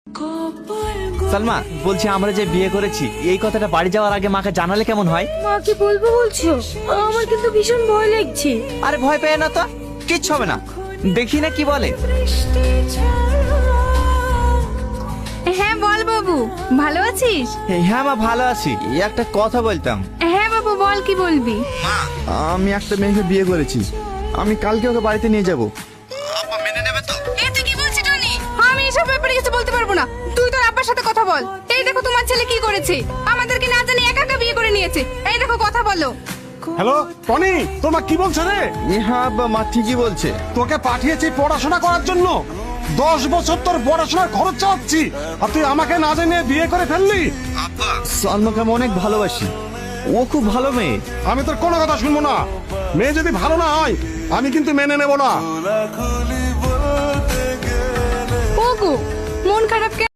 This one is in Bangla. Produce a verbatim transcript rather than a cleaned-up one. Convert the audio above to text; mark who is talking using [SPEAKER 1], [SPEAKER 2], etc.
[SPEAKER 1] সালমা, বলছি আমরা যে বিয়ে করেছি এই কথাটা বাড়ি যাওয়ার আগে মাকে জানালে কেমন হয়?
[SPEAKER 2] মা কি বলবো বলছো? আমার কিন্তু ভীষণ ভয় লাগছে।
[SPEAKER 1] আরে ভয় পেয়ে না তো, কিচ্ছু হবে না, দেখি না কি বলে।
[SPEAKER 3] হ্যাঁ বল বাবু, ভালো আছিস?
[SPEAKER 1] হ্যাঁ মা, ভালো আছি। এই একটা কথা বলতাম।
[SPEAKER 3] হ্যাঁ বাবু বল, কি বলবি?
[SPEAKER 1] আমি একটা মেয়েকে বিয়ে করেছি, আমি কালকে ওকে বাড়িতে নিয়ে যাব।
[SPEAKER 3] এ তুই কি বলছিস টনি? আমি এসব ব্যাপারে কিছু বলতে পারবো না, তুই তোর আব্বার সাথে কথা বল। এই দেখো তোমার ছেলে কি করেছে, আমাদেরকে না জানি একা একা বিয়ে করে নিয়েছে। এই দেখো কথা বলো।
[SPEAKER 4] হ্যালো টনি, তোমার কি বলছে রে?
[SPEAKER 1] হ্যাঁ আব্বা, মা ঠিকই বলছে।
[SPEAKER 4] তোকে পাঠিয়েছি পড়াশোনা করার জন্য, দশ বছর তোর পড়াশোনার খরচ চাচ্ছি, আর তুই আমাকে না জানিয়ে বিয়ে করে ফেললি।
[SPEAKER 1] সালমাকে আমি অনেক ভালোবাসি, ও খুব ভালো মেয়ে।
[SPEAKER 4] আমি তোর কোনো কথা শুনবো না। মেয়ে যদি ভালো না হয় আমি কিন্তু মেনে নেব না।
[SPEAKER 3] ওগো, মন খারাপ কেন?